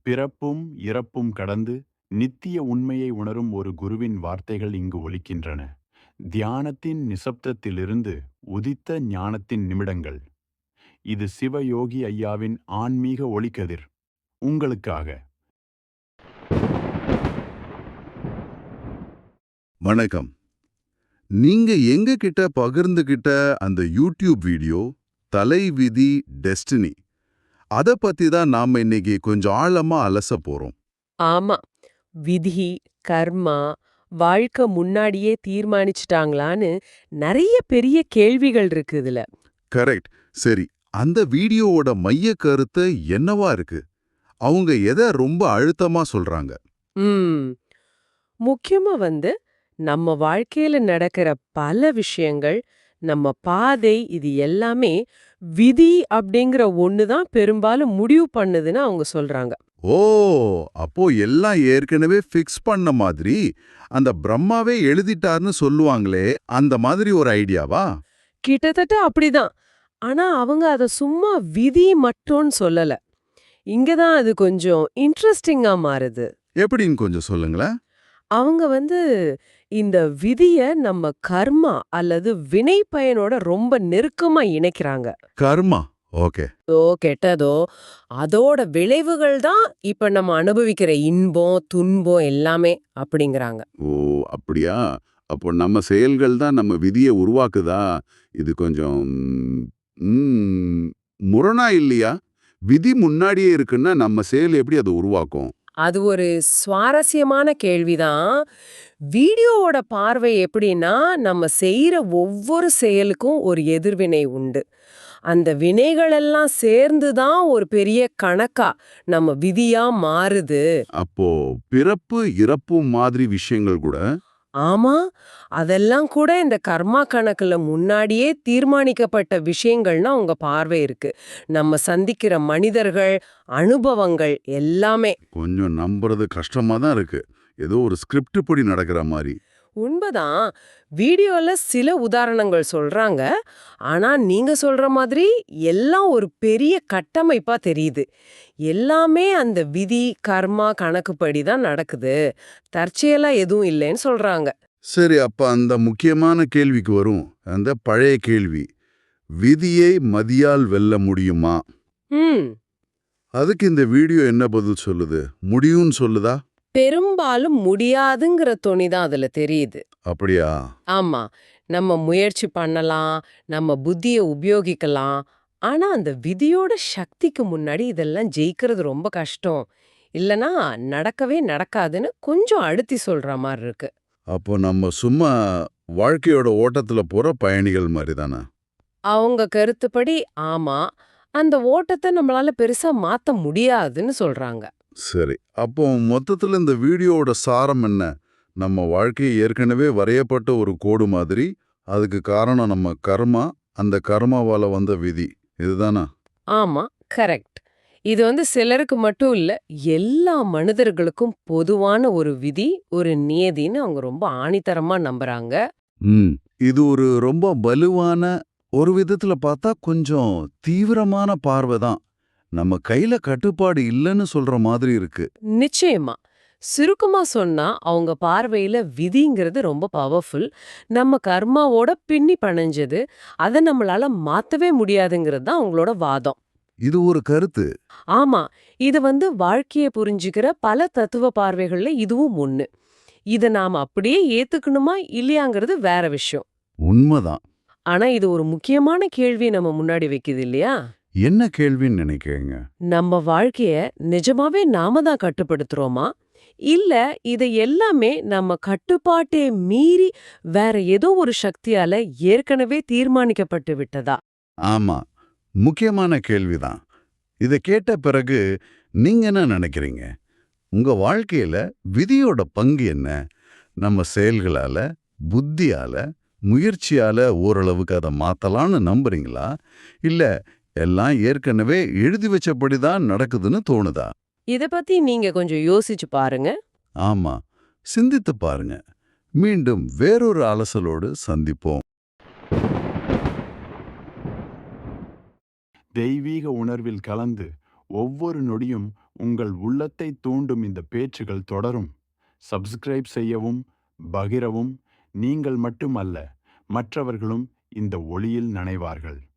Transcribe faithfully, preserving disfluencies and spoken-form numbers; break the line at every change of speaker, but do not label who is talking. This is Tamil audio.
பிறப்பும் இறப்பும் கடந்து நித்திய உண்மையை உணரும் ஒரு குருவின் வார்த்தைகள் இங்கு ஒலிக்கின்றன. தியானத்தின் நிசப்தத்திலிருந்து உதித்த ஞானத்தின் நிமிடங்கள். இது சிவயோகி ஐயாவின் ஆன்மீக ஒளிக்கதிர் உங்களுக்காக.
வணக்கம். நீங்க எங்க கிட்ட பகிர்ந்துகிட்ட அந்த யூடியூப் வீடியோ தலைவிதி டெஸ்டினி அத பத்தி தான் நாம இன்னைக்கு கொஞ்சம் ஆழமா அலச போறோம்.
ஆமா. விதி, கர்மா, வாழ்க்கை முன்னாடியே தீர்மானிச்சுட்டாங்களான்னு நெறைய பெரிய கேள்விகள் இருக்கு இதுல.
கரெக்ட். சரி, அந்த வீடியோவோட மைய கருத்து என்னவா இருக்கு? அவங்க எதை ரொம்ப அழுத்தமா சொல்றாங்க?
ம். முக்கியமா வந்து நம்ம வாழ்க்கையில நடக்கிற பல விஷயங்கள், நம்ம பாதை இது எல்லாமே விதி அப்படிங்கிற ஒண்ணு தான் பெரும்பாலும் முடிவு பண்ணுதுன்னு அவங்க சொல்றாங்க.
ஓ, அப்போ எல்லாம் ஏற்கனவே ஃபிக்ஸ் பண்ண மாதிரி அந்த பிரம்மாவே எழுதிட்டார்னு சொல்லுவாங்களே, அந்த மாதிரி ஒரு ஐடியாவா?
கிட்டத்தட்ட அப்படிதான். ஆனா அவங்க அத சும்மா விதி மட்டும்னு சொல்லல. இங்க தான் அது கொஞ்சம் இன்ட்ரஸ்டிங்கா மாறுது.
எப்படின்னு கொஞ்சம் சொல்லுங்களேன்.
அவங்க வந்து இந்த விதிய நம்ம கர்மா அல்லது வினை பயனோட ரொம்ப நெருக்கமா இணைக்கிறாங்க.
கர்மா. ஓகே.
ஓ கெட்டதோ அதோட விளைவுகள் தான் இப்ப நம்ம அனுபவிக்கிற இன்பம், துன்பம் எல்லாமே அப்படிங்கிறாங்க.
ஓ, அப்படியா? அப்போ நம்ம செயல்கள் தான் நம்ம விதிய உருவாக்குதா? இது கொஞ்சம் ம், முரணா இல்லையா? விதி முன்னாடியே இருக்குன்னா நம்ம செயல் எப்படி அதை உருவாக்கும்?
அது ஒரு சுவாரஸ்யமான கேள்விதான். வீடியோவோட பார்வை எப்படின்னா, நம்ம செய்யற ஒவ்வொரு செயலுக்கும் ஒரு எதிர்வினை உண்டு. அந்த வினைகளெல்லாம் சேர்ந்து தான் ஒரு பெரிய கணக்கா நம்ம விதியா மாறுது.
அப்போ பிறப்பு இறப்பு மாதிரி விஷயங்கள் கூட
ஆமா, அதெல்லாம் கூட இந்த கர்மா கணக்குல முன்னாடியே தீர்மானிக்கப்பட்ட விஷயங்கள்னா உங்க பார்வை இருக்கு. நம்ம சந்திக்கிற மனிதர்கள், அனுபவங்கள் எல்லாமே.
கொஞ்சம் நம்புறது கஷ்டமா தான் இருக்கு. ஏதோ ஒரு ஸ்கிரிப்ட் படி நடக்கிற மாதிரி.
உண்மைதான். வீடியோல சில உதாரணங்கள் சொல்றாங்க. ஆனா நீங்க சொல்ற மாதிரி எல்லாம் ஒரு பெரிய கட்டமைப்பா தெரியுது. எல்லாமே அந்த விதி, கர்மா கணக்குப்படி தான் நடக்குது. தற்செயலா எதுவும் இல்லைன்னு சொல்றாங்க.
சரி, அப்ப அந்த முக்கியமான கேள்விக்கு வரும். அந்த பழைய கேள்வி, விதியை மதியால் வெல்ல முடியுமா?
ம்.
அதுக்கு இந்த வீடியோ என்ன பதில் சொல்லுது? முடியும்னு சொல்லுதா?
பெரும்பாலும் முடியாதுங்கிற தொனி தான் அதுல தெரியுது.
அப்படியா?
ஆமா. நம்ம முயற்சி பண்ணலாம், நம்ம புத்திய உபயோகிக்கலாம். ஆனா அந்த விதியோட சக்திக்கு முன்னாடி இதெல்லாம் ஜெயிக்கிறது ரொம்ப கஷ்டம். இல்லனா நடக்கவே நடக்காதுன்னு கொஞ்சம் அழுத்தி சொல்ற மாரி இருக்கு.
அப்போ நம்ம சும்மா வாழ்க்கையோட ஓட்டத்துல போற பயணிகள் மாதிரி தானே?
அவங்க கருத்துப்படி ஆமா. அந்த ஓட்டத்த நம்மளால பெருசா மாத்த முடியாதுன்னு சொல்றாங்க.
சரி, அப்போ மொத்தத்துல இந்த வீடியோவோட சாரம் என்ன? நம்ம வாழ்க்கை ஏற்கனவே வரையப்பட்ட ஒரு கோடு மாதிரி. அதுக்கு காரணம் நம்ம கர்மா, அந்த கர்மாவால வந்த விதி. இதுதானா?
ஆமா, கரெக்ட். இது வந்து சிலருக்கு மட்டும் இல்ல, எல்லா மனிதர்களுக்கும் பொதுவான ஒரு விதி, ஒரு நியதின்னு அவங்க ரொம்ப ஆணித்தரமா நம்புறாங்க.
ம். இது ஒரு ரொம்ப வலுவான, ஒரு விதத்துல பார்த்தா கொஞ்சம் தீவிரமான பார்வை தான். நம்ம கையில கட்டுப்பாடு இல்லைன்னு சொல்ற மாதிரி இருக்கு.
நிச்சயமா. சுருக்கமா சொன்னா, அவங்க பார்வையில விதிங்கிறது ரொம்ப பவர்ஃபுல். நம்ம கர்மாவோட பின்னி பிணைஞ்சது. அத நம்மளால மாத்தவே முடியாதுங்கிறது தான் அவங்களோட வாதம்.
இது ஒரு கருத்து.
ஆமா. இது வந்து வாழ்க்கைய புரிஞ்சுக்கிற பல தத்துவ பார்வைகள்ல இதுவும் ஒண்ணு. இத நாம அப்படியே ஏத்துக்கணுமா இல்லையாங்கிறது வேற விஷயம்.
உண்மைதான்.
ஆனா இது ஒரு முக்கியமான கேள்வி நம்ம முன்னாடி வைக்குது இல்லையா?
என்ன கேள்வின்னு நினைக்கிறீங்க?
நம்ம வாழ்க்கைய நிஜமாவே நாம தான் கட்டுப்படுத்துறோமா? இல்ல இத எல்லாமே நம்ம கட்டுப்பாட்டை மீறி வேற ஏதோ ஒரு சக்தியால ஏற்கனவே தீர்மானிக்கப்பட்டு விட்டதா?
ஆமா, முக்கியமான கேள்விதான். இத கேட்ட பிறகு நீங்க என்ன நினைக்கிறீங்க? உங்க வாழ்க்கையில விதியோட பங்கு என்ன? நம்ம செயல்களால, புத்தியால, முயற்சியால ஓரளவுக்கு அதை மாத்தலாம்னு நம்புறீங்களா? இல்ல எல்லாம் ஏற்கனவே எழுதி வச்சபடிதான் நடக்குதுன்னு தோணுதா?
இத பத்தி நீங்க கொஞ்சம் யோசிச்சு பாருங்க.
ஆமா, சிந்தித்து பாருங்க. மீண்டும் வேறொரு அலசலோடு சந்திப்போம்.
தெய்வீக உணர்வில் கலந்து ஒவ்வொரு நொடியும் உங்கள் உள்ளத்தை தூண்டும் இந்த பேச்சுகள் தொடரும். சப்ஸ்கிரைப் செய்யவும், பகிரவும். நீங்கள் மட்டுமல்ல, மற்றவர்களும் இந்த ஒளியில் நனைவார்கள்.